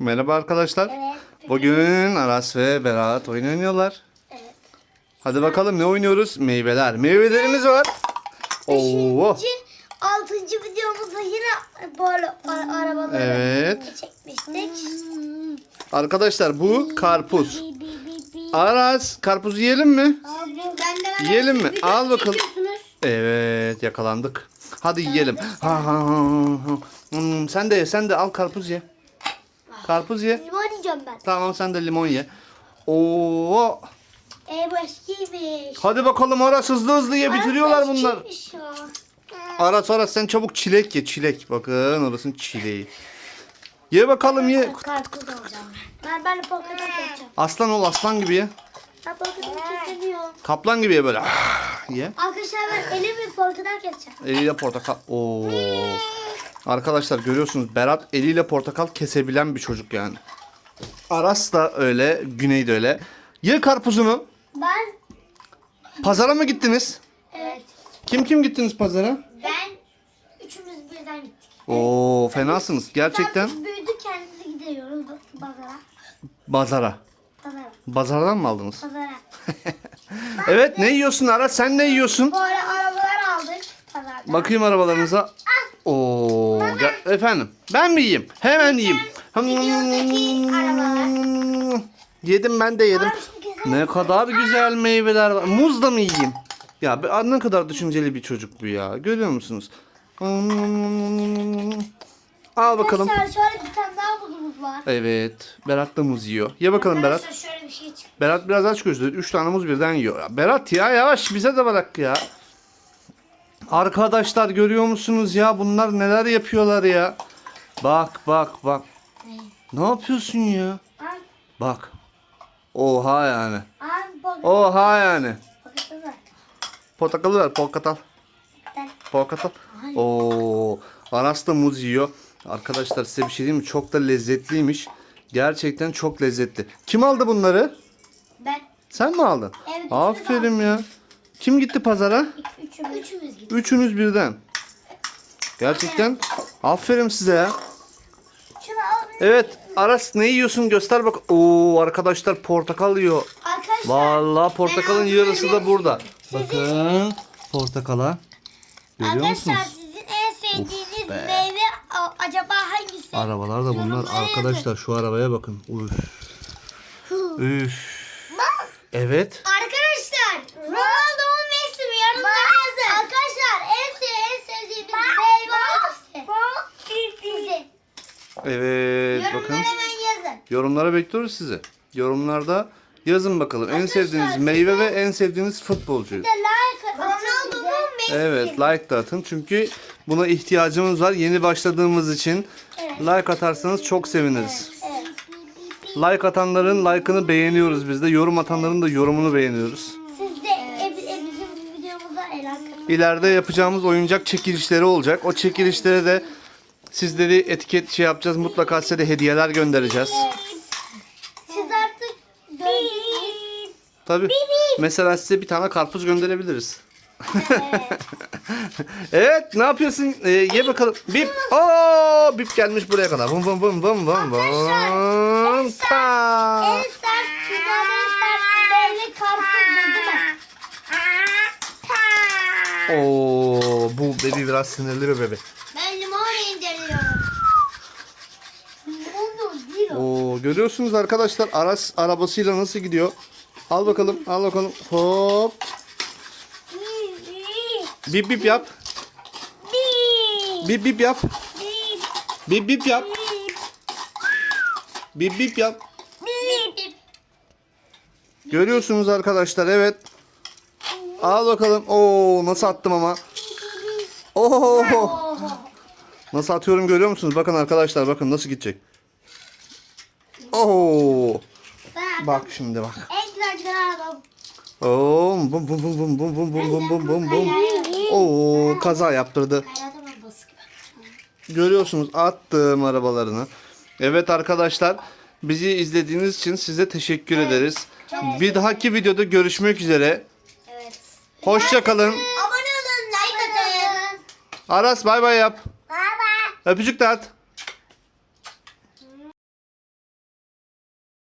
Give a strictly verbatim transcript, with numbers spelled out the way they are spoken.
Merhaba arkadaşlar. Evet. Bugün Aras ve Berat oyun oynuyorlar. Evet. Hadi bakalım ne oynuyoruz? Meyveler. Meyvelerimiz var. Oo. Beşinci, altıncı videomuzda yine böyle a- arabaları Evet. çekmiştik. Arkadaşlar bu karpuz. Aras karpuz yiyelim mi? Ben de Yiyelim mi? video Al bakalım. çekiyorsunuz. Evet, yakalandık. Hadi yiyelim. Ha, ha, ha, ha. Hmm, sen de ye, sen de al karpuz ye. Karpuz ye. Limon yiyeceğim ben. Tamam, sen de limon ye. Oo. E bu eskiymiş. Hadi bakalım Aras, hızlı hızlı ye, bitiriyorlar Ay, bunlar. eskiymiş ya. Aras Aras sen çabuk çilek ye, çilek. Bakın orasının çileği. Ye bakalım ye. Karpuz alacağım. Ben ben de portakal keseceğim. Aslan ol, aslan gibi ye. Ben portakal kesemiyorum. Kaplan gibi ye böyle. Ah, ye. Arkadaşlar ben elimle portakal keseceğim. Eliyle portakal. Oo. Arkadaşlar görüyorsunuz, Berat eliyle portakal kesebilen bir çocuk yani. Aras da öyle, Güney de öyle. Ye karpuzunu. Ben Pazara mı gittiniz? evet. Kim kim gittiniz pazara? Ben üçümüz birden gittik. Oo, fenasınız gerçekten. Biz büyüdük kendimiz gidiyoruz pazara. Pazara. Pazara. Pazardan mı aldınız? Pazara. Evet, ne yiyorsun Aras? Sen ne yiyorsun? Böyle arabalar aldık pazarda. Bakayım arabalarınıza. Oo, gel- efendim. Ben mi yiyeyim? Hemen yiyeyim. videodaki Yedim, ben de yedim. Ne kadar güzel meyveler var. Muz da mı yiyeyim? Ya be- ne kadar düşünceli bir çocuk bu ya. Görüyor musunuz? Al bakalım. Arkadaşlar şöyle bir tane daha buzumuz var. Evet. Berat da muz yiyor. Ye bakalım Berat. Arkadaşlar şöyle bir şey çıktı. Berat biraz aç gözlü. Üç tane muz birden yiyor. Ya Berat ya, yavaş, bize de bırak ya. Arkadaşlar görüyor musunuz ya? Bunlar neler yapıyorlar ya? Bak bak bak. Ne yapıyorsun ya? Ay, Bak. Oha yani. ay bak. Oha yani. Bakın. Portakalı ver, portakal. Portakal. Oo, Aras da muz yiyor. Arkadaşlar size bir şey diyeyim mi? Çok da lezzetliymiş. Gerçekten çok lezzetli. Kim aldı bunları? Ben Sen mi aldın? Evet, üçümüz Aferin ya. Kim gitti pazara? üçümüz. Üçümüz gittik. Üçünüz birden. Gerçekten aferin size ya. Şunu al. Evet, Aras ne yiyorsun, göster bak. Oo, arkadaşlar portakal yiyor. Arkadaşlar. Vallahi portakalın Ben yarısı da ağzımı burada. Sizin- Bakın portakala. Görüyor musunuz? Arkadaşlar sizin en sevdiğiniz be. meyve a- acaba hangisi? Arabalar da bunlar. Yorumlara Arkadaşlar şu arabaya bakın. Üf. Üf. Evet. Arkadaşlar Ronaldo mu Messi mi yorumlara yazın. Arkadaşlar en, sev en sevdiğiniz meyve hangisi? Sizin. Evet bakın. Yorumlara hemen yazın. Yorumlara bekliyoruz sizi. Yorumlarda yazın bakalım. En Arkadaşlar, sevdiğiniz meyve ve en sevdiğiniz futbolcuyu. Bir de like atın. Ronaldo mu Messi Evet, mi? like da atın çünkü buna ihtiyacımız var. Yeni başladığımız için Evet. like atarsanız çok seviniriz. Evet. Like atanların like'ını beğeniyoruz biz de. Yorum atanların da yorumunu beğeniyoruz. Siz de e, e, bizim videomuza el atın. İleride yapacağımız oyuncak çekilişleri olacak. O çekilişlere de sizleri etiket şey yapacağız. Mutlaka size de hediyeler göndereceğiz. Siz artık döndünüz. Tabii. Mesela size bir tane karpuz gönderebiliriz. Evet, ne yapıyorsun? Ee, ye bakalım. Bip. Oo, bip gelmiş buraya kadar. Bum bum bum bum bum bum. En Ta. sert, dünyanın en sert meyve karpuzdur değil mi? Oo, bu bebi biraz sinirli bir bebe. Ben limon indiriyorum. Limon değil o. Oo, görüyorsunuz arkadaşlar, Aras arabasıyla nasıl gidiyor? Al bakalım, al bakalım. Hop. Bip bip yap. Bip bip yap. Bip bip yap. Bip bip yap. Görüyorsunuz arkadaşlar, evet. Al bakalım. Oo, nasıl attım ama. Oo. Nasıl atıyorum görüyor musunuz? Bakın arkadaşlar, bakın nasıl gidecek. Oo. Bak şimdi bak. En güzel güzel adam. Oo, bum bum bum bum bum bum bum bum bum bum bum. Oo, kaza yaptırdı. Hayatım arabası gibi. Görüyorsunuz, attım arabalarını. Evet arkadaşlar, bizi izlediğiniz için size teşekkür ederiz. Bir dahaki videoda görüşmek üzere. Evet. Hoşça kalın. Abone olun, like atın. Aras bay bay yap. Bye bye. Öpücük de at.